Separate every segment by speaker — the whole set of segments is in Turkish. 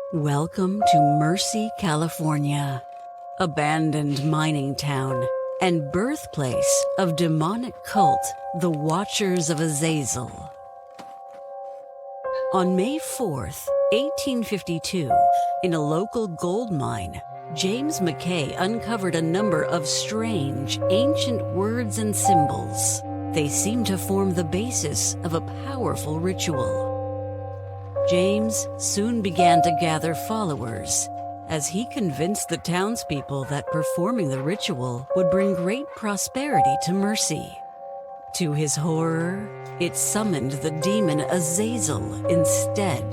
Speaker 1: Welcome to Mercy, California, abandoned mining town and birthplace of demonic cult, the Watchers of Azazel. On May 4th, 1852, in a local gold mine, James McKay uncovered a number of strange, ancient words and symbols. They seem to form the basis of a powerful ritual. James soon began to gather followers as he convinced the townspeople that performing the ritual would bring great prosperity to Mercy. To his horror, it summoned the demon Azazel instead.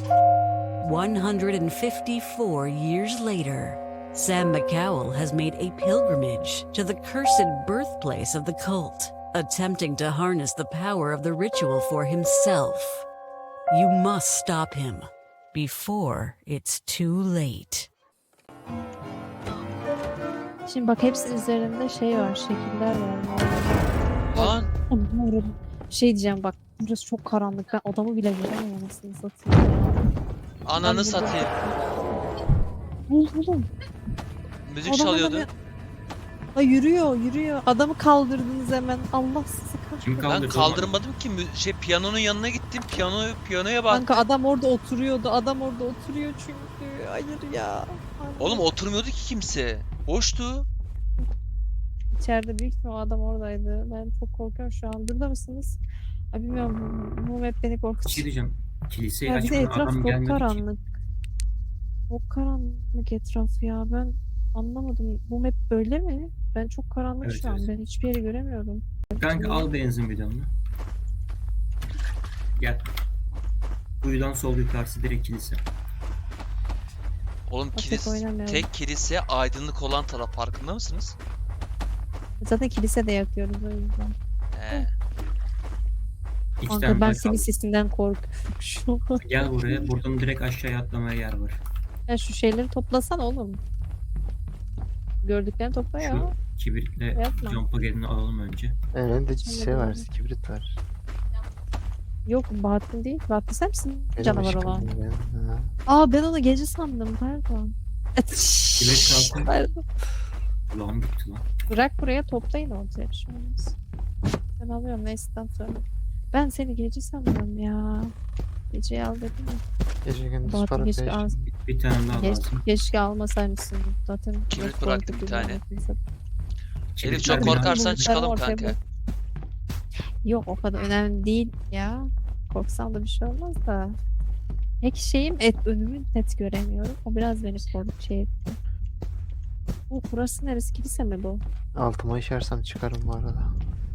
Speaker 1: 154 years later, Sam McCowell has made a pilgrimage to the cursed birthplace of the cult, attempting to harness the power of the ritual for himself. You must stop him before it's too late.
Speaker 2: Şimdi bak hepsi üzerinde şey var, şekiller var.
Speaker 3: Lan
Speaker 2: Şey diyeceğim bak, burası çok karanlık. Ben adamı bile göremiyorum, anasını satayım ya.
Speaker 3: ananı satayım.
Speaker 2: Oğlum.
Speaker 3: Müzik
Speaker 2: Adam
Speaker 3: çalıyordu.
Speaker 2: adamı- Ay yürüyor. Adamı kaldırdınız hemen. Allah sizi kahretsin.
Speaker 4: Kim
Speaker 3: Ben
Speaker 4: kaldırdı?
Speaker 3: kaldırmadım ki piyanonun yanına gittim. Piyanoya bak.
Speaker 2: Kanka adam orada oturuyordu. Adam orada oturuyor çünkü. Hayır ya.
Speaker 3: Oğlum oturmuyordu ki kimse. Boştu.
Speaker 2: İçeride büyük ihtimal o adam oradaydı. Ben çok korkuyorum şu an. Burada mısınız? Ay bilmiyorum. Bu map beni
Speaker 4: Bir şey
Speaker 2: korkutuyor.
Speaker 4: diyeceğim. Kiliseyi
Speaker 2: Ya bir de
Speaker 4: açmadan
Speaker 2: etraf
Speaker 4: adam
Speaker 2: çok
Speaker 4: gelmedi ki.
Speaker 2: karanlık. Çok karanlık etraf ya. Ben anlamadım. Bu map böyle mi? Ben çok karanlık
Speaker 4: Evet,
Speaker 2: şu an.
Speaker 4: evet.
Speaker 2: Ben hiçbir yeri göremiyorum.
Speaker 4: Kanka al benzin bidonunu. Gel. Kuyudan sol yukarısı direkt kilise.
Speaker 3: Oğlum
Speaker 2: Tek oynamıyorum.
Speaker 3: tek kilise aydınlık olan taraf, farkında mısınız?
Speaker 2: Zaten kilise de yakıyoruz o yüzden.
Speaker 3: He.
Speaker 4: İki
Speaker 2: Kanka
Speaker 4: tane
Speaker 2: ben
Speaker 4: daha
Speaker 2: senin
Speaker 4: kaldı.
Speaker 2: sesinden korkuyorum şu an.
Speaker 4: Gel buraya. Buradan direkt aşağıya atlamaya yer var.
Speaker 2: Ya şu şeyleri toplasan oğlum. Gördüklerini topla ya.
Speaker 4: Şu kibritle
Speaker 2: Yapma.
Speaker 4: cam paketini alalım önce.
Speaker 5: Elinde şey var,
Speaker 2: Anladım.
Speaker 5: kibrit var.
Speaker 2: Yok Bahattin değil. Bahattin sen misin?
Speaker 5: Benim
Speaker 2: Canavar
Speaker 5: ışık
Speaker 2: olan.
Speaker 5: yanıyor benim, ha.
Speaker 2: Aa ben onu gece sandım. Pardon.
Speaker 4: Kibrit kalsın.
Speaker 2: Pardon.
Speaker 4: Ulan bitti lan.
Speaker 2: Bırak buraya toplayın ortaya bir şey olmaz. Ben alıyorum neyse'den sonra. Ben seni gece sandım ya. Geceyi al dedim ya.
Speaker 5: Gece gündüz
Speaker 2: Bahattin
Speaker 5: para
Speaker 2: keşke
Speaker 5: değişiyor.
Speaker 4: Bir tane daha lazım.
Speaker 2: Keşke almasaymışsın. Zaten
Speaker 3: Kibrit
Speaker 2: çok
Speaker 3: bıraktım bir
Speaker 2: korkutucu
Speaker 3: tane.
Speaker 2: zaten.
Speaker 3: Elif
Speaker 4: Kibritler
Speaker 3: çok
Speaker 4: biraz-
Speaker 3: korkarsan
Speaker 2: Bulutlarını
Speaker 3: çıkalım
Speaker 2: ortaya
Speaker 3: kanka.
Speaker 2: bırak. Yok o kadar önemli değil ya. Korksam da bir şey olmaz da. Tek şeyim önümü net göremiyorum. O biraz beni şey etti. Burası neresi? Kilise mi bu?
Speaker 5: Altıma işersem çıkarım bu arada.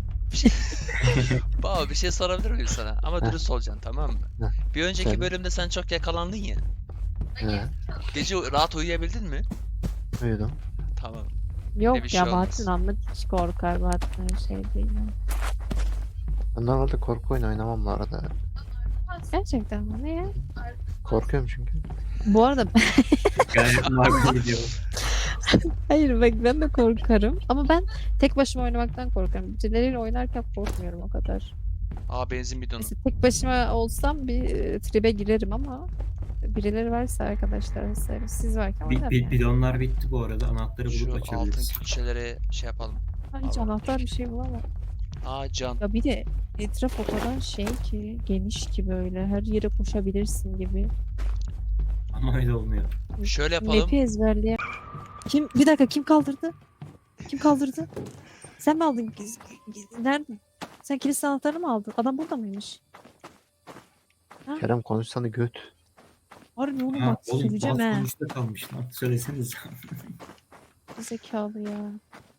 Speaker 3: Baba bir şey sorabilir miyim sana? Ama
Speaker 5: Heh.
Speaker 3: dürüst olacaksın, tamam mı?
Speaker 5: Heh.
Speaker 3: Bir önceki
Speaker 5: Söyle.
Speaker 3: bölümde sen çok yakalandın ya.
Speaker 5: He,
Speaker 3: Gece rahat uyuyabildin mi?
Speaker 5: uyudum.
Speaker 3: Tamam.
Speaker 2: Yok
Speaker 3: bir şey
Speaker 2: ya
Speaker 3: olmaz.
Speaker 2: Bahattin amma hiç korkar. Bahattin öyle şey değil. ya.
Speaker 5: Ben normalde korku oyunu oynamam bu arada.
Speaker 2: Gerçekten mi? Ne ya?
Speaker 5: Korkuyorum çünkü.
Speaker 2: Bu arada
Speaker 4: Gayet makul gidiyor.
Speaker 2: hayır bak ben de korkarım. Ama ben tek başıma oynamaktan korkarım. Birileriyle oynarken korkmuyorum o kadar.
Speaker 3: Aa, benzin bidonu.
Speaker 2: Mesela tek başıma olsam bir tribe girerim ama birileri varsa arkadaşlar vesaire siz varken oynarım. yani.
Speaker 4: Bidonlar bitti bu arada. Anahtarı
Speaker 3: Şu
Speaker 4: bulup
Speaker 3: altın
Speaker 4: açabiliriz.
Speaker 3: külçelere şey yapalım.
Speaker 2: Ha, hiç anahtar bir şey bulamam.
Speaker 3: Aa, can.
Speaker 2: Ya bir de etraf o kadar şey ki geniş ki böyle her yere koşabilirsin gibi.
Speaker 4: Ama öyle olmuyor.
Speaker 3: Şöyle yapalım.
Speaker 2: Map'i ezberleye. Bir dakika kim kaldırdı? Kim kaldırdı? Sen mi aldın? Nerede? Sen kilise anahtarını mı aldın? Adam burada mıymış?
Speaker 5: Kerem konuşsana göt.
Speaker 2: Harbi oğlum
Speaker 4: Ha,
Speaker 2: bak
Speaker 4: oğlum
Speaker 2: söyleyeceğim
Speaker 4: bazı
Speaker 2: he.
Speaker 4: konuşta kalmış lan. Söyleseniz.
Speaker 2: Zekalı ya.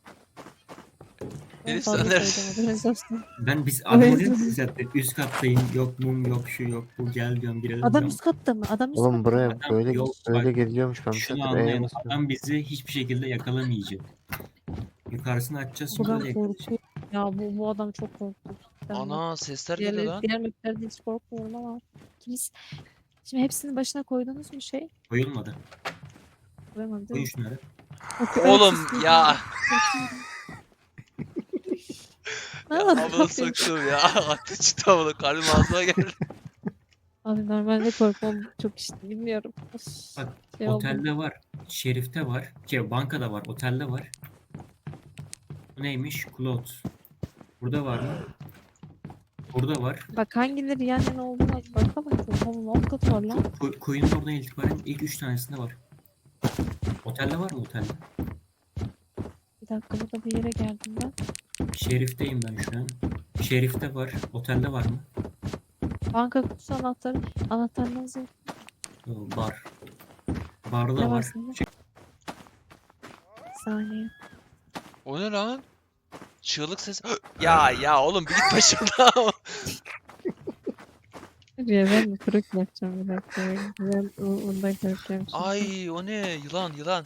Speaker 3: Elif
Speaker 2: Fazla
Speaker 3: sen
Speaker 2: söyledim, haberiniz olsun.
Speaker 4: Biz
Speaker 2: Evet.
Speaker 4: adamı dedim zaten. Üst kattayım. Yok mum yok şu yok bu gel diyorum girelim
Speaker 2: Adam
Speaker 4: diyorum.
Speaker 2: üst katta mı? Adam üst
Speaker 5: Oğlum
Speaker 2: katta.
Speaker 5: buraya
Speaker 4: Adam
Speaker 5: böyle
Speaker 4: yok,
Speaker 5: böyle
Speaker 4: bak,
Speaker 5: geliyormuş ben bir
Speaker 4: Şunu
Speaker 5: saattir
Speaker 4: anlayın.
Speaker 5: basıyorum.
Speaker 4: Adam bizi hiçbir şekilde yakalamayacak. Yukarısını açacağız sonra
Speaker 2: Buradan
Speaker 4: da yakalayacak.
Speaker 2: korkuyorum. Ya bu adam çok korkunç.
Speaker 3: Ana, sesler geliyor lan.
Speaker 2: Diğer maplerde hiç korkmuyorum ama. Kilis. Şimdi hepsinin başına koydunuz mu şey?
Speaker 4: Koyulmadı.
Speaker 2: Koyamadım değil
Speaker 4: Koyun
Speaker 2: mi?
Speaker 4: şunları.
Speaker 3: Oğlum ya.
Speaker 2: Ne
Speaker 3: Ya
Speaker 2: yapalım?
Speaker 3: amına soktum ya. Ateş çıktı amına. Kalbim ağzıma geldi.
Speaker 2: Abi normalde korkmam çok işte bilmiyorum. Of,
Speaker 4: Bak,
Speaker 2: şey oldu.
Speaker 4: otelde var. Şerifte var. Bankada var. Otelde var. Bu neymiş? Cloud. Burada var mı? Burada var.
Speaker 2: Bak hangileri yan yana olduğuna bakalım. Oğlum alt kat var lan.
Speaker 4: Koyunun oradan itibaren ilk 3 tanesinde var. Otelde var mı otelde?
Speaker 2: Bir dakika burada bir yere geldim ben.
Speaker 4: Şerifteyim ben şu an. Şerifte var. Otelde var mı?
Speaker 2: Banka kutusu anahtarı. Anahtarınız yok.
Speaker 4: Bar. Barda
Speaker 2: Ne var
Speaker 4: var.
Speaker 2: sende? Bir saniye.
Speaker 3: O ne lan? Çığlık ses. Ya oğlum bir git başımdan.
Speaker 2: Ya ben mi kırık yapacağım bir dakika. Ben ondan korkuyorum şimdi.
Speaker 3: Ay o ne? Yılan.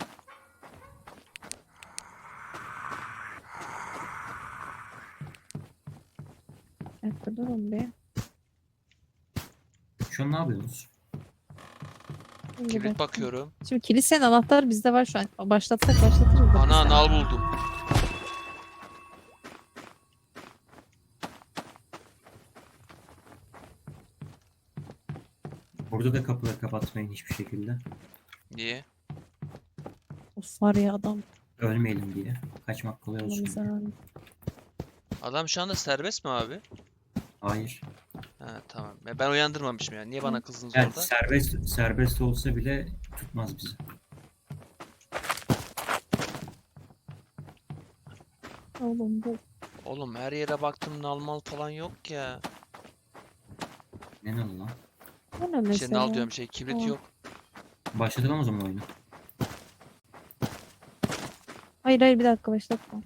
Speaker 2: Bir dakika durun bir.
Speaker 4: Şu an ne yapıyorsunuz?
Speaker 2: Bir
Speaker 3: Kibrit
Speaker 2: dakika.
Speaker 3: bakıyorum.
Speaker 2: Şimdi kilisenin anahtarı bizde var şu an. Başlatsak başlatırız. da bir
Speaker 3: Ana
Speaker 2: saniye.
Speaker 3: nal buldum.
Speaker 4: Burada da kapıları kapatmayın hiçbir şekilde.
Speaker 3: Niye?
Speaker 2: Of var ya adam.
Speaker 4: Ölmeyelim diye. Kaçmak kolay olsun.
Speaker 2: Allah'ım
Speaker 4: diye.
Speaker 3: Adam şu anda serbest mi abi?
Speaker 4: Hayır.
Speaker 3: Ha tamam. Ben uyandırmamışım ya. Niye bana kızdınız
Speaker 4: Yani
Speaker 3: orada?
Speaker 4: serbest olsa bile tutmaz bizi.
Speaker 2: Oğlum bu.
Speaker 3: Oğlum her yere baktım nalmal falan yok ya.
Speaker 4: Ne lan?
Speaker 2: Bu ne
Speaker 3: Şey
Speaker 2: mesela?
Speaker 3: nal diyorum kibrit
Speaker 2: Aa.
Speaker 3: yok.
Speaker 4: Başlatalım o zaman oyunu.
Speaker 2: Hayır bir dakika başlatma.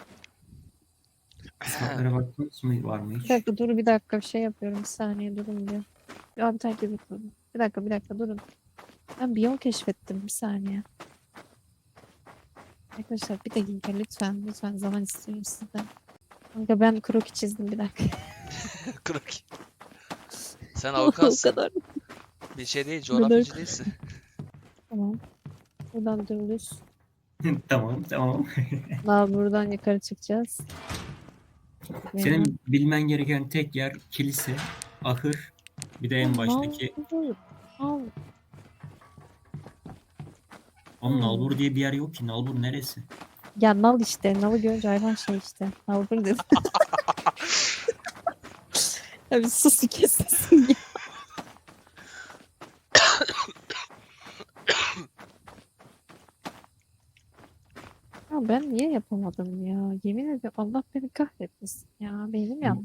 Speaker 4: Sokaklara baktınız mı? Var mı hiç?
Speaker 2: Bir dakika dur bir dakika bir şey yapıyorum. Bir saniye durun bir. Ya bir takip etmedim. Bir dakika durun. Ben bir yol keşfettim bir saniye. Arkadaşlar bir dakika lütfen zaman istiyorum sizden. Kanka ben kroki çizdim bir dakika.
Speaker 3: Kırık. Sen
Speaker 2: O
Speaker 3: avukatsın.
Speaker 2: kadar.
Speaker 3: Bir şey değil,
Speaker 2: kadar.
Speaker 3: coğrafyacı değilsin.
Speaker 2: Tamam. Buradan dümdüz.
Speaker 4: Tamam.
Speaker 2: Daha buradan yukarı çıkacağız.
Speaker 4: Senin bilmen gereken tek yer kilise, ahır, bir de en baştaki.
Speaker 2: Al.
Speaker 4: Onun Nalbur diye bir yer yok ki. Nalbur neresi?
Speaker 2: Ya nal işte. Nalı görünce hayvan şey işte. Nal bunu dedi. Ya bir sus bir kes sesini ya. Ya ben niye yapamadım ya? Yemin ederim Allah beni kahretmesin ya. Benim yandım.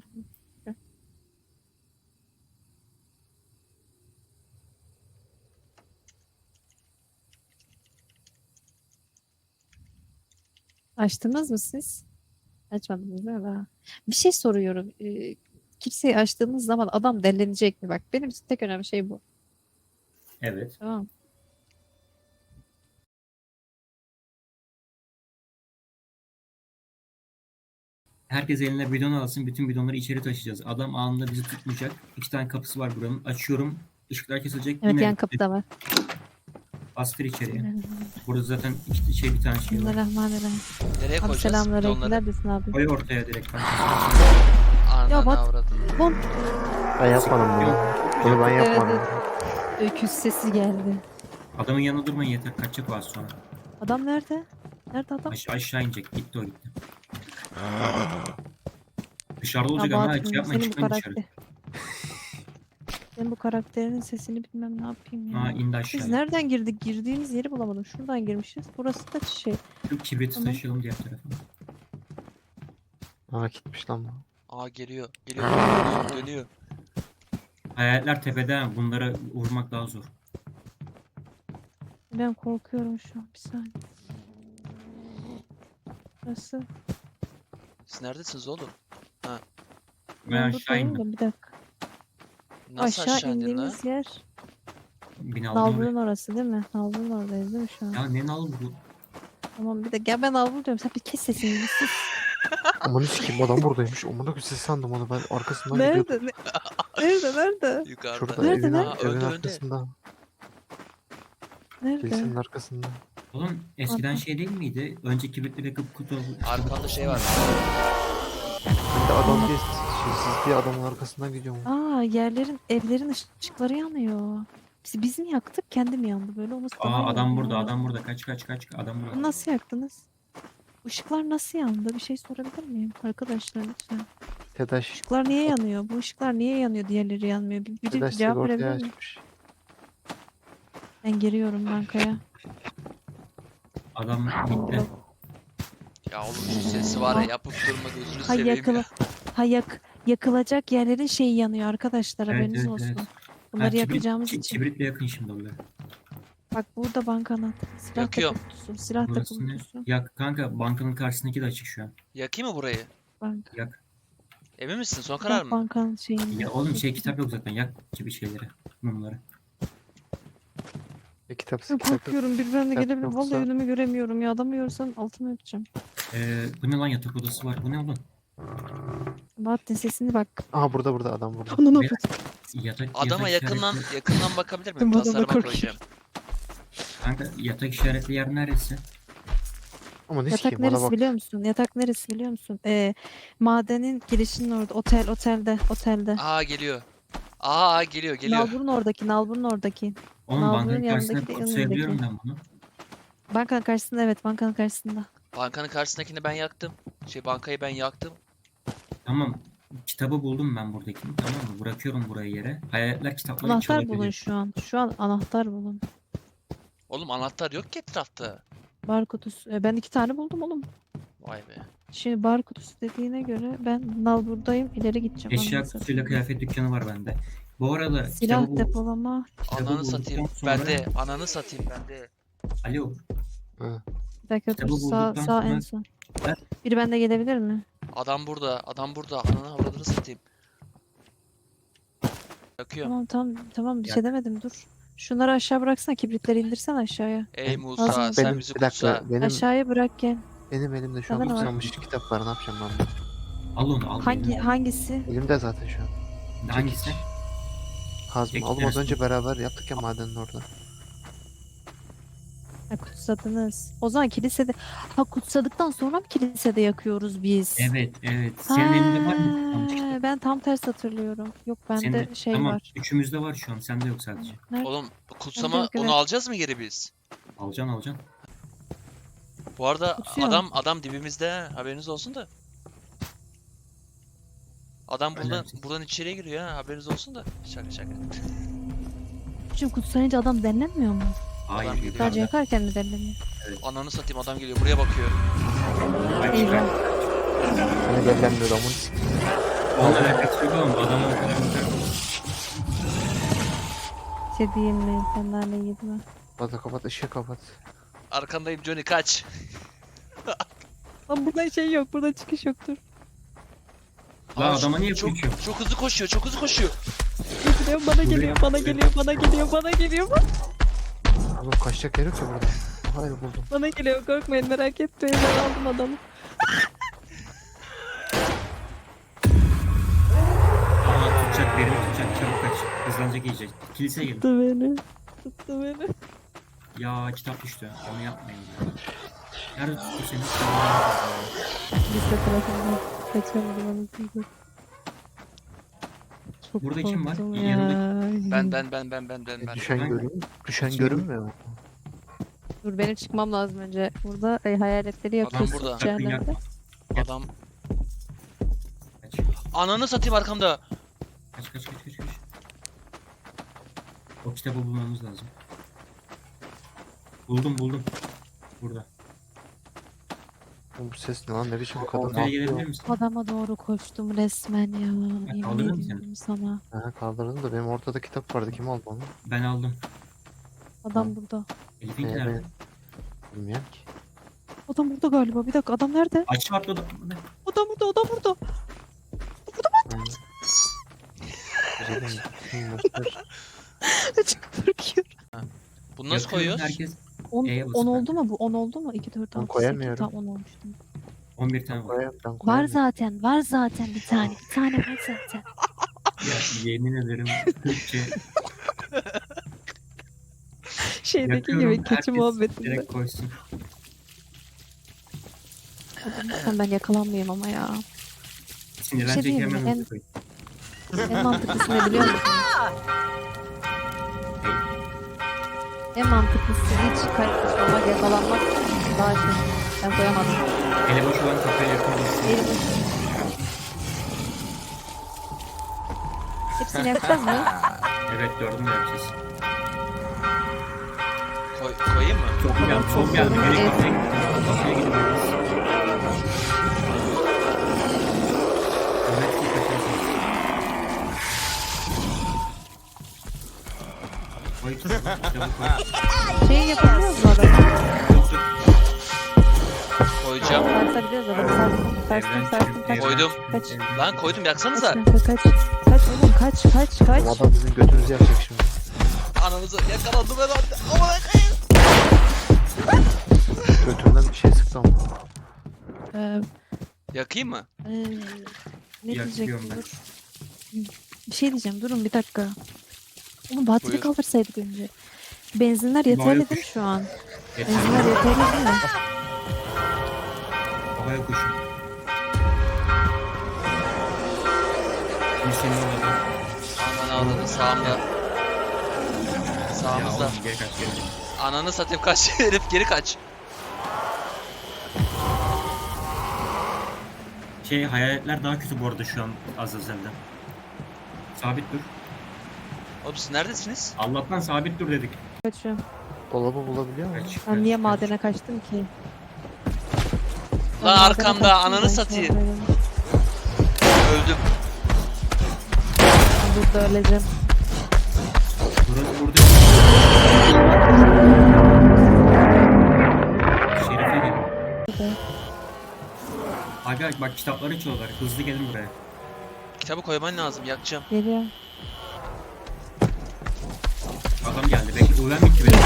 Speaker 2: Açtınız mı siz? Açmadınız değil mi? Bir şey soruyorum. Kiliseyi açtığımız zaman adam dellenecek mi? Bak benim için tek önemli şey bu.
Speaker 4: Evet.
Speaker 2: Tamam.
Speaker 4: Herkes eline bidon alsın. Bütün bidonları içeri taşıyacağız. Adam anında bizi tutmayacak. 2 tane kapısı var buranın. Açıyorum. Işıklar kesilecek.
Speaker 2: Evet
Speaker 4: Yine
Speaker 2: yan kapıda var.
Speaker 4: bastır içeriye. Burada zaten bir tane şey var.
Speaker 2: Bismillahirrahmanirrahim.
Speaker 3: Nereye
Speaker 2: Abi
Speaker 3: koyacağız
Speaker 2: selamünaleyküm.
Speaker 3: bidonları?
Speaker 2: Neredesin abi?
Speaker 4: Koy ortaya direkt.
Speaker 3: Ananı
Speaker 2: bak.
Speaker 3: avradını.
Speaker 2: Bom.
Speaker 5: Ben yapmadım bunu. Bunu ben yapmadım.
Speaker 2: Öküz sesi geldi.
Speaker 4: Adamın yanında durmayın yeter. Kaçacak o az sonra.
Speaker 2: Adam nerede? Nerede adam?
Speaker 4: Aşağı inecek. Gitti o gitti. Dışarıda olacak
Speaker 2: Ya
Speaker 4: ama
Speaker 2: Bahattin,
Speaker 4: hiç yapmayın.
Speaker 2: senin bu
Speaker 4: Çıkmayın dışarı.
Speaker 2: karakter. Senin bu karakterinin sesini bilmem ne yapayım ya.
Speaker 4: Ha indi
Speaker 2: Biz
Speaker 4: aşağıya.
Speaker 2: nereden girdik? Girdiğimiz yeri bulamadım. Şuradan girmişiz. Burası da şey.
Speaker 4: Şu kibriti
Speaker 2: Tamam.
Speaker 4: taşıyalım diğer tarafa.
Speaker 5: Aa gitmiş lan bu.
Speaker 3: Aa geliyor. Dönüyor.
Speaker 4: Hayaletler tepede. Bunlara vurmak daha zor.
Speaker 2: Ben korkuyorum şu an. Bir saniye. Burası.
Speaker 3: Siz neredesiniz oğlum?
Speaker 4: Ben
Speaker 2: Ben
Speaker 4: aşağı
Speaker 2: buradayım
Speaker 4: indim.
Speaker 2: da bir dakika.
Speaker 3: Nasıl
Speaker 2: Aşağı
Speaker 3: aşağı indin lan?
Speaker 2: indiğimiz yer.
Speaker 4: Binaların oraya.
Speaker 2: Nalbur'un orası değil mi? Nalbur'un oradayız değil mi şu an?
Speaker 4: Ya ne nal bu?
Speaker 2: Tamam bir dakika. Ya ben Nalbur diyorum. Sen bir kes sesini. Bir sus.
Speaker 5: Aman sikeyim adam buradaymış. Amına koyayım sesi sandım onu ben arkasından gidiyordum.
Speaker 2: Nerede? Nerede?
Speaker 3: Yukarıda.
Speaker 5: Şurada
Speaker 2: Nerede,
Speaker 5: evin,
Speaker 2: nerede?
Speaker 5: evin
Speaker 3: Önde, önde.
Speaker 5: arkasında.
Speaker 2: Nerede?
Speaker 5: Kilisenin arkasında.
Speaker 4: Oğlum eskiden
Speaker 2: Aha.
Speaker 4: şey değil miydi? Önce kibritleri yakıp kutu...
Speaker 3: Arkanda şey var.
Speaker 5: Ben de adam diye siz diye adamın arkasından gidiyorum.
Speaker 2: Aa yerlerin, evlerin ışıkları yanıyor. Biz mi yaktık? Kendi mi yandı böyle? Olması daha iyi
Speaker 4: Adam
Speaker 2: oldu
Speaker 4: burada,
Speaker 2: ya.
Speaker 4: adam burada. Kaç adam burada.
Speaker 2: Nasıl yaktınız? Işıklar nasıl yandı? Bir şey sorabilir miyim? Arkadaşlar lütfen.
Speaker 5: TEDAŞ.
Speaker 2: Işıklar niye yanıyor? Bu ışıklar niye yanıyor? Diğerleri yanmıyor. Biri
Speaker 5: TEDAŞ
Speaker 2: cevap
Speaker 5: sigortayı
Speaker 2: verebilir mi?
Speaker 5: açmış.
Speaker 2: Ben giriyorum bankaya.
Speaker 4: Adam gitti.
Speaker 3: Ya oğlum şu sesi var ya yapıp durma gözünü
Speaker 2: Ha
Speaker 3: seveyim
Speaker 2: yakıla,
Speaker 3: ya.
Speaker 2: ha yakılacak yerlerin şeyi yanıyor arkadaşlar,
Speaker 4: Evet,
Speaker 2: haberiniz
Speaker 4: evet,
Speaker 2: olsun.
Speaker 4: evet.
Speaker 2: Bunları
Speaker 4: kibrit-
Speaker 2: yakacağımız için.
Speaker 4: Kibritle yakın şimdi orada.
Speaker 2: Bak burada bankanın silah
Speaker 3: Yakıyorum.
Speaker 2: kutusu, silah
Speaker 4: Burası ne?
Speaker 2: kutusu.
Speaker 4: Yak kanka, bankanın karşısındaki de açık şu an.
Speaker 3: Yakayım mı burayı?
Speaker 2: Banka.
Speaker 4: Yak.
Speaker 3: Emin misin? Son karar mı?
Speaker 2: Bankanın şeyinde.
Speaker 4: Ya oğlum kitap yok zaten, yak gibi şeyleri. Mumları.
Speaker 5: Kitap
Speaker 2: Ben
Speaker 5: kitap yok.
Speaker 2: korkuyorum, bir benimle
Speaker 5: Kitap
Speaker 2: gelebilir.
Speaker 5: yoksa-
Speaker 2: Vallahi önümü göremiyorum ya. Adamı görsem altımı öpeceğim.
Speaker 4: Bu ne lan, yatak odası var. Bu ne oğlum?
Speaker 2: Bahattin sesini bak.
Speaker 5: Aha burada adam burada.
Speaker 2: Onu ne
Speaker 4: Ve-
Speaker 2: yapacağım?
Speaker 3: Adama
Speaker 4: yatak
Speaker 3: yakından
Speaker 4: işaretli-
Speaker 3: bakabilir
Speaker 2: Ben
Speaker 3: miyim?
Speaker 2: bu adama
Speaker 3: Tasarıma
Speaker 2: korkuyorum.
Speaker 3: koyacağım.
Speaker 4: Kanka yatak işaretli yer neresi?
Speaker 5: Ama ne
Speaker 2: Yatak
Speaker 5: sikeyim ona
Speaker 2: neresi
Speaker 5: bak.
Speaker 2: biliyor musun? Yatak neresi biliyor musun? Madenin girişinin orada. Otelde.
Speaker 3: Aa geliyor. Aa geliyor.
Speaker 2: Nalbur'un oradaki.
Speaker 4: Oğlum
Speaker 2: Nalbur'un
Speaker 4: bankanın
Speaker 2: yanındaki
Speaker 4: karşısına
Speaker 2: de
Speaker 4: kutsayabiliyorum
Speaker 2: yanındaki.
Speaker 4: ben bunu.
Speaker 2: Bankanın karşısında, evet, bankanın karşısında.
Speaker 3: Bankanın karşısındakini ben yaktım. Bankayı ben yaktım.
Speaker 4: Tamam. Kitabı buldum ben buradakini. Tamam mı? Bırakıyorum buraya yere. Hayaletler kitapları
Speaker 2: Anahtar bulun
Speaker 4: çalabilir.
Speaker 2: şu an. Şu an anahtar bulun.
Speaker 3: Oğlum anahtar yok ki etrafta.
Speaker 2: Bar kutusu. Ben 2 tane buldum oğlum.
Speaker 3: Vay be.
Speaker 2: Şimdi bar kutusu dediğine göre ben Nalbur'dayım. İleri gideceğim.
Speaker 4: Eşya
Speaker 2: Anasını
Speaker 4: kutusuyla
Speaker 2: satayım.
Speaker 4: kıyafet dükkanı var bende. Bu arada
Speaker 2: Silah
Speaker 4: kitabı
Speaker 2: depolama.
Speaker 4: kitabı
Speaker 3: Ananı
Speaker 4: bulduktan
Speaker 3: satayım.
Speaker 4: sonra-
Speaker 3: Bende. Ananı satayım bende.
Speaker 4: Alo.
Speaker 5: Hı.
Speaker 2: Bir dakika
Speaker 4: Kitabı
Speaker 2: dur. Sağ
Speaker 4: bulduktan
Speaker 2: en
Speaker 4: sonra-
Speaker 2: son.
Speaker 4: Ben-
Speaker 2: Biri bende gelebilir mi?
Speaker 3: Adam burada. Adam burada. Ananı avradını satayım. Yakıyorum.
Speaker 2: Tamam bir
Speaker 4: Yak.
Speaker 2: şey demedim, dur. Şunları aşağı bıraksana, kibritleri indirsen aşağıya.
Speaker 3: Ey
Speaker 5: Ben-
Speaker 3: Musa
Speaker 2: Benim-
Speaker 3: sen bizi
Speaker 5: bir dakika
Speaker 3: kutsa.
Speaker 5: benim
Speaker 2: Aşağıya bırak gel.
Speaker 5: elimde şu an
Speaker 2: Bana ne var?
Speaker 5: kutsanmış kitap var, ne yapacağım ben bunu?
Speaker 4: Al onu al.
Speaker 2: Hangisi?
Speaker 5: Elimde zaten şu an.
Speaker 4: Hangisi?
Speaker 5: Kazma.
Speaker 4: Çekiç
Speaker 5: Oğlum az
Speaker 4: dersin.
Speaker 5: önce beraber yaptık ya madenin orada.
Speaker 2: Ha, kutsadınız. O zaman kilisede. Ha, kutsadıktan sonra mı kilisede yakıyoruz biz?
Speaker 4: Evet. Senin elinde var mı? Tamam, işte.
Speaker 2: Ben tam ters hatırlıyorum. Yok bende
Speaker 4: Senin-
Speaker 2: şey
Speaker 4: tamam,
Speaker 2: var.
Speaker 4: üçümüzde var şu an. Sende yok sadece.
Speaker 2: Nerede?
Speaker 3: Oğlum kutsama
Speaker 2: Evet,
Speaker 3: onu
Speaker 2: evet.
Speaker 3: alacağız mı geri biz?
Speaker 4: Alacaksın.
Speaker 3: Bu arada
Speaker 2: Kutsuyor.
Speaker 3: adam dibimizde ha, haberiniz olsun da. Adam
Speaker 4: Önemsiz.
Speaker 3: buradan içeriye giriyor ha, haberiniz olsun da. Şaka.
Speaker 2: Şimdi kutsayınca adam denlenmiyor mu?
Speaker 4: Hayır.
Speaker 3: Adam
Speaker 4: yukarıda.
Speaker 2: Sadece yakarken mi denleniyor?
Speaker 3: Ananı satayım adam geliyor buraya bakıyor.
Speaker 2: Eyvah.
Speaker 5: Hani bellenmiyor amın sikeyim.
Speaker 4: Onunla alakası yok oğlum. Bu adamı o kadar güzel.
Speaker 2: Şey diyeyim mi? Sen naneyi yedin mi?
Speaker 5: Kapat ışığı kapat.
Speaker 3: Arkandayım Johnny kaç.
Speaker 2: Lan burada şey yok. Burada çıkış yoktur.
Speaker 4: Lan
Speaker 3: Aa,
Speaker 4: adama niye
Speaker 3: çok,
Speaker 4: yapıyorsun?
Speaker 3: çok hızlı koşuyor çok hızlı koşuyor.
Speaker 2: Geliyor, bana geliyor, bana geliyor, bana geliyor, bana geliyor,
Speaker 5: Oğlum kaçacak yer yok ya burada. Hayır buldum.
Speaker 2: bana geliyor. Korkmayın, merak etmeyin. Ben aldım adamı.
Speaker 4: Aa, tutacak, birini tutacak. Çabuk kaç. Hızlanacak iyice. Kiliseye gelin.
Speaker 2: Tuttu beni. Tuttu beni.
Speaker 4: Ya kitap düştü. Onu yapmayın ya. Nerede tuttu seni?
Speaker 2: Lise tarafından kaçamadım anasını. Çok
Speaker 4: Burada kim var?
Speaker 2: korktum
Speaker 4: Yanındaki-
Speaker 3: Ben.
Speaker 5: Düşen
Speaker 4: Ben-
Speaker 5: görünmüyor. Düşen
Speaker 4: Kim?
Speaker 5: görünmüyor mu?
Speaker 2: Dur, benim çıkmam lazım önce. Burada hayaletleri
Speaker 3: Adam
Speaker 2: yakıyorsun
Speaker 3: burada.
Speaker 2: cehennemde.
Speaker 3: Adam.
Speaker 4: Kaç.
Speaker 3: Ananı satayım arkamda.
Speaker 4: Kaç. O kitabı bulmamız lazım. Buldum. Burada.
Speaker 5: Oğlum bu ses ne lan, ne biçim kadın
Speaker 4: Ortaya gelebilir
Speaker 5: ağlıyor.
Speaker 4: misin?
Speaker 2: Adama doğru koştum resmen ya. Yemin
Speaker 4: kaldırır mısın?
Speaker 2: ediyorum sana.
Speaker 5: Ha, kaldırdım da benim ortada kitap vardı, kim aldı onu?
Speaker 4: Ben aldım.
Speaker 2: Adam burada.
Speaker 4: Elif'in
Speaker 5: Ee,
Speaker 4: nerede?
Speaker 5: Bilmiyorum ki.
Speaker 2: Adam burada galiba. Bir dakika, adam nerede?
Speaker 4: Aşağı atladı.
Speaker 2: Adam burada.
Speaker 5: Yani. Güzelim. Göster.
Speaker 2: Çok korkuyorum.
Speaker 3: Bunu nasıl
Speaker 4: Yakıyorum,
Speaker 3: koyuyoruz?
Speaker 4: Herkes
Speaker 2: 10
Speaker 4: E'ye basın
Speaker 2: 10
Speaker 4: bence.
Speaker 2: oldu mu bu? 10 oldu mu? 2 4
Speaker 5: Ben
Speaker 2: 6 8
Speaker 5: koyamıyorum.
Speaker 2: tam 10 olmuştu.
Speaker 4: 11 tane var.
Speaker 5: Ben
Speaker 2: Var
Speaker 5: koyamıyorum.
Speaker 2: zaten bir tane. Bir tane var zaten.
Speaker 4: Ya yemin ederim Türkçe
Speaker 2: Şeydeki
Speaker 4: yakıyorum.
Speaker 2: gibi keçi
Speaker 4: Herkes
Speaker 2: muhabbetinde.
Speaker 4: direkt koysun.
Speaker 2: Lütfen ben yakalanmayayım ama ya.
Speaker 4: Sinirlenecek
Speaker 2: diyeyim mi?
Speaker 4: hemen
Speaker 2: En-
Speaker 4: oraya koy.
Speaker 2: En mantıklısı ne biliyor musun? En mantıklısı hiç kaçışmamak, yakalanmak daha şey. Ben koyamadım.
Speaker 4: Ele boş olan kafayı yakalamışsın.
Speaker 2: Elim uçtu. Hepsini yapacağız mı?
Speaker 4: Evet, dördünü de yapacağız.
Speaker 3: Koyayım mı?
Speaker 4: Çok geldi, çok geldi. Geri
Speaker 2: Evet.
Speaker 4: kafaya gidiyoruz. Kafaya gidiyoruz. Ahmet iyi kaçarsın. Koy tut. Çabuk koy.
Speaker 2: Şey yapabiliyoruz mu adamı?
Speaker 4: Tut tut.
Speaker 3: Koyacağım.
Speaker 2: Sarsabiliyoruz adamı. Sarsın. Kaç.
Speaker 3: Koydum.
Speaker 2: Kaç.
Speaker 3: Lan koydum yaksanıza.
Speaker 2: Kaç. Kaç oğlum kaç.
Speaker 5: Bu adam bizim götümüzü yapacak şimdi.
Speaker 3: Ananızı yakalandım herhalde. Aman
Speaker 5: Götümden bir şey sıktı ama.
Speaker 3: yakayım mı?
Speaker 2: Ne
Speaker 4: Yakıyorum
Speaker 2: diyecektim
Speaker 4: ben.
Speaker 2: dur. Bir şey diyeceğim durun bir dakika. Oğlum bateri
Speaker 3: Buyur.
Speaker 2: kaldırsaydık önce. Benzinler yeterli
Speaker 4: Bayağı
Speaker 2: değil mi şu an?
Speaker 4: Yeter.
Speaker 2: Benzinler yeterli değil mi?
Speaker 4: Havaya kuşun. Şimdi senin orada.
Speaker 3: Aman avradı sağımda.
Speaker 4: Ya
Speaker 3: Sağımızda.
Speaker 4: oğlum geri kaç geri.
Speaker 3: Ananı satayım kaç herif geri kaç.
Speaker 4: Hayaletler daha kötü bu arada şu an Azazel'den. Sabit dur.
Speaker 3: Oğlum siz neredesiniz?
Speaker 4: Allah'tan sabit dur dedik.
Speaker 2: Kaçıyorum.
Speaker 5: Dolabı bulabiliyor musun?
Speaker 4: Kaç,
Speaker 2: Ben
Speaker 4: kaç,
Speaker 2: niye
Speaker 4: kaç.
Speaker 2: madene kaçtım ki? Ben
Speaker 3: Lan
Speaker 2: madene
Speaker 3: arkamda
Speaker 2: kaçtım,
Speaker 3: ananı
Speaker 2: ben
Speaker 3: satayım.
Speaker 2: şuradayım.
Speaker 3: Öldüm.
Speaker 2: Ben burada öleceğim.
Speaker 4: Burası burada. Şerife gelin.
Speaker 2: Burada.
Speaker 4: Aga bak kitapları içiyorlar. Hızlı gelin buraya.
Speaker 3: Kitabı koyman lazım yakacağım.
Speaker 2: Geliyor.
Speaker 4: Adam geldi. Belki uyan bitti benim.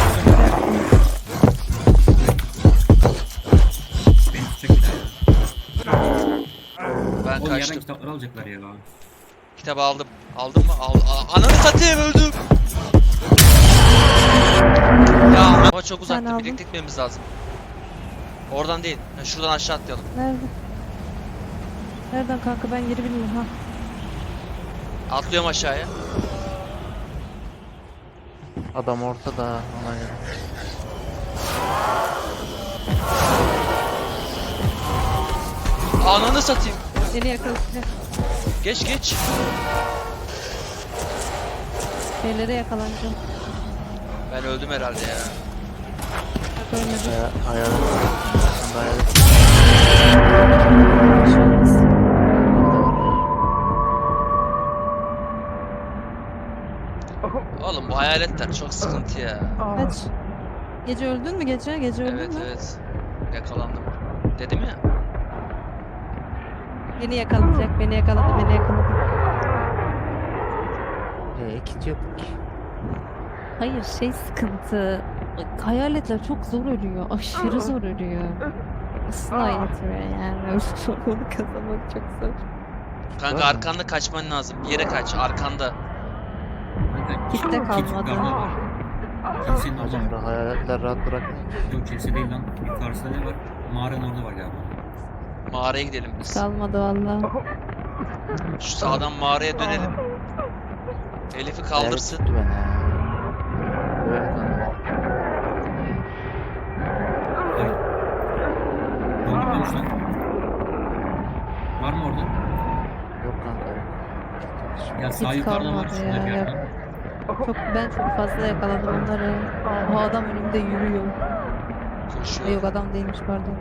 Speaker 4: Beni tutacak bir daha ya.
Speaker 3: Ben
Speaker 4: Oğlum yerden
Speaker 3: kaçtım.
Speaker 4: kitapları alacaklar ya.
Speaker 3: Kitabı aldım. Aldın mı? Ananı satayım öldüm. Ya ama çok uzakta
Speaker 2: aldın.
Speaker 3: birlikte gitmemiz lazım. Oradan değil. Ha, şuradan aşağı atlayalım.
Speaker 2: Nerede? Nereden kanka ben yeri bilmiyorum ha.
Speaker 3: Atlıyorum aşağıya.
Speaker 5: Adam ortada ona göre.
Speaker 3: Ananı satayım.
Speaker 2: Seni yakalayacak.
Speaker 3: Geç.
Speaker 2: Şeylere yakalanacağım.
Speaker 3: Ben öldüm herhalde ya.
Speaker 2: Bak ölmedim.
Speaker 5: Hayalet. Sen de hayalet.
Speaker 2: Bir şey olmaz.
Speaker 3: Oğlum bu hayaletler çok sıkıntı ya.
Speaker 2: Kaç. Gece öldün mü gece? Gece öldün
Speaker 3: Evet
Speaker 2: mü?
Speaker 3: evet. Yakalandım. Dedim ya.
Speaker 2: Beni yakalayacak, beni yakaladı.
Speaker 5: İkinci yapık.
Speaker 2: Hayır şey sıkıntı. Hayaletler çok zor ölüyor. Aşırı zor ölüyor. Asla yetmiyor yani. Onu kazanmak çok zor.
Speaker 3: Kanka arkanda kaçman lazım. Bir yere kaç. Arkanda.
Speaker 2: Kitle kalmadı.
Speaker 4: yukarıda var. Kilisenin orada
Speaker 5: Hocam
Speaker 4: var.
Speaker 5: da hayaletler rahat bırakmıyor.
Speaker 4: Yok kilise değil lan. Yukarısında ne var? Mağaranın orada var galiba.
Speaker 3: Mağaraya gidelim biz.
Speaker 2: Kalmadı valla.
Speaker 3: Şu sağdan mağaraya dönelim. Elif'i kaldırsın.
Speaker 5: Hayalet tuttu beni ya. Evet kanka.
Speaker 4: Ay. Öldürmemiş lan. Var mı orada?
Speaker 5: Yok kanka yok.
Speaker 4: Ya sağ
Speaker 2: Hiç
Speaker 4: yukarıda var.
Speaker 2: kalmadı
Speaker 4: Şurada
Speaker 2: ya,
Speaker 4: bir
Speaker 2: yok.
Speaker 4: yerden.
Speaker 2: Ben çok fazla yakaladım onları. O adam önümde yürüyor.
Speaker 3: Koşuyor.
Speaker 2: Yok adam değilmiş pardon.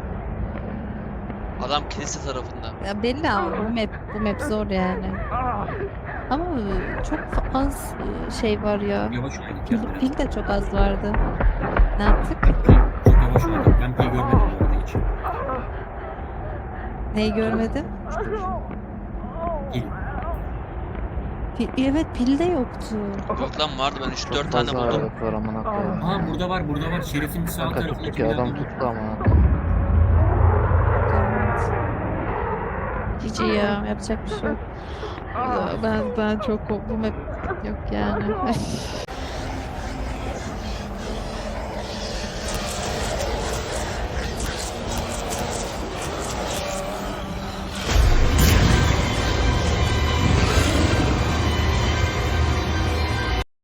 Speaker 3: Adam kilise tarafında.
Speaker 2: Ya belli ama bu map zor yani. Ama çok az şey var ya.
Speaker 4: Yavaş oynadık
Speaker 2: Pil,
Speaker 4: ya biraz.
Speaker 2: pil de çok az vardı. Ne yaptık?
Speaker 4: Çok yavaş oynadık. Ben pil görmedim bu arada hiç.
Speaker 2: Neyi görmedim?
Speaker 4: Pil.
Speaker 2: Evet pilde yoktu.
Speaker 3: Yok lan vardı ben 3-4
Speaker 5: Çok
Speaker 3: tane
Speaker 5: fazla
Speaker 3: buldum.
Speaker 5: hayalet var amına koyayım.
Speaker 4: Aa burada var. Şerif'in sağ
Speaker 5: Kanka tuttu
Speaker 4: tarafındaki
Speaker 5: ki adam
Speaker 4: binadan.
Speaker 5: tuttu amına koyayım.
Speaker 2: Cici ya yapacak bir şey yok. Ya ben çok bu map yok yani.